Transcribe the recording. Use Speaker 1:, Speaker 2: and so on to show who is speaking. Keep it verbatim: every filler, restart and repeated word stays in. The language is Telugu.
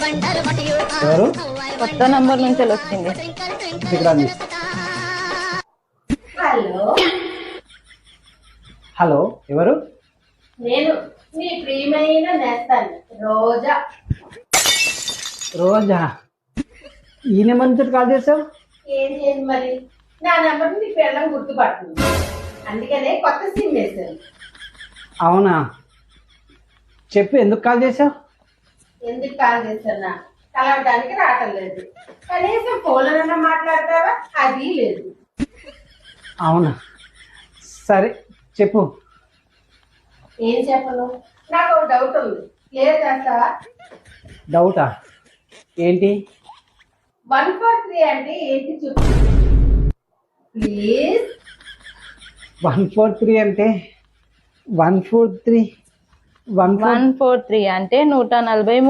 Speaker 1: ఎవరు?
Speaker 2: కొత్త నంబర్ నుంచి వచ్చింది.
Speaker 1: ఇక్కడ రండి.
Speaker 3: హలో
Speaker 1: హలో, ఎవరు?
Speaker 3: నేను మీ ప్రియమైన నేస్తాను రోజా.
Speaker 1: రోజా? ఈ నెంబర్ నుంచి కాల్ చేసావు?
Speaker 3: ఏం చేయండి మరి, నా నెంబర్ నీ పిల్లలు గుర్తుపడుతుంది, అందుకనే కొత్త సిమ్ వేశాను.
Speaker 1: అవునా, చెప్పు, ఎందుకు కాల్ చేసావు?
Speaker 3: ఎందుకు కాల్ చేస్తున్నా, కలవడానికి రావటం లేదు, కనీసం ఫోన్లోనన్నా మాట్లాడతావా, అది లేదు.
Speaker 1: అవునా, సరే చెప్పు.
Speaker 3: ఏం చెప్పను, నాకు ఒక డౌట్ ఉంది, క్లియర్ చేస్తావా?
Speaker 1: డౌటా? ఏంటి?
Speaker 3: వన్ ఫోర్ త్రీ అంటే ఏంటి చెప్పు ప్లీజ్.
Speaker 1: వన్ ఫోర్ త్రీ అంటే one four three one
Speaker 2: one four three అంటే నూట నలభై